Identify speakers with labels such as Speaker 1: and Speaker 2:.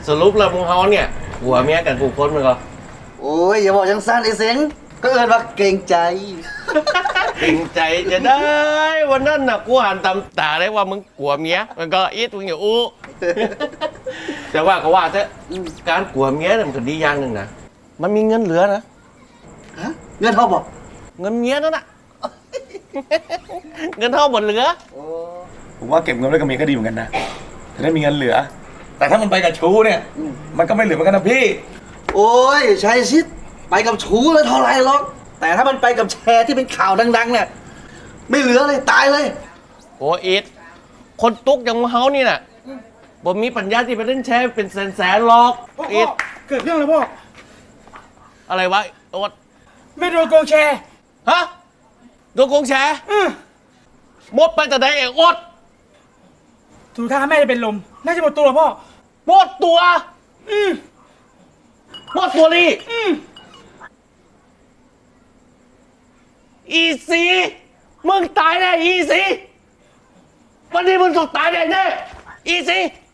Speaker 1: สรุปแล้วมึงเฮาเนี่ยหัวเมียกันกูคนมึงก็
Speaker 2: โอ้ยอย่าบอกยังสั้นไอ้เสียงก็เอินว่าเกรงใจ
Speaker 1: เก่งใจจะได้วันนั้นน่ะกูหันตำตาได้ว่ามึงกลัวเมียมันก็อีทมึงอย่าอู้ แต่ว่าก็ว่าเถอะการกลัวเมียเนี่ยมันก็ดีอย่างหนึ่งนะมันมีเงินเหลือนะ
Speaker 2: ฮะเงินเขาบอก
Speaker 1: เงินเมียนั่นน่ะ เงินเท่าหมดเหลือ
Speaker 3: ผมว่าเก็บเงินไว้กับเมียก็ดีเหมือนกันนะจะได้มีเงินเหลือ แต่ถ้ามันไปกับชู้เนี่ย มันก็ไม่เหลือเหมือนกันนะพี่
Speaker 2: โอ้ยใช่ชิดไปกับชูเลยเท่าไรหรอกแต่ถ้ามันไปกับแชร์ที่เป็นข่าวดังๆเนี่ยไม่เหลือเลยตายเลย
Speaker 1: โอ้อีทคนตุกอย่างมึงเฮานี่น่ะบ่มีปัญญาที่ไปเล่นแชร์เป็นแสนๆหรอกอีท
Speaker 4: เกิดเรื่องแล้วพ่อ
Speaker 1: อะไรวะโอ๊ต
Speaker 4: ไม่โดนโกงแชร์
Speaker 1: ฮะโดนโกงแชร์หมดไปแต่ใดเองโอ๊ต
Speaker 4: ถูท่าแม่จะเป็นลม น่าจะหมดตัวพ่อ
Speaker 1: หมดตัวหมดตัวนี่อีซีมึงตายแน่อีซีวันนี้มึงต้องตายแน่แน่อีซี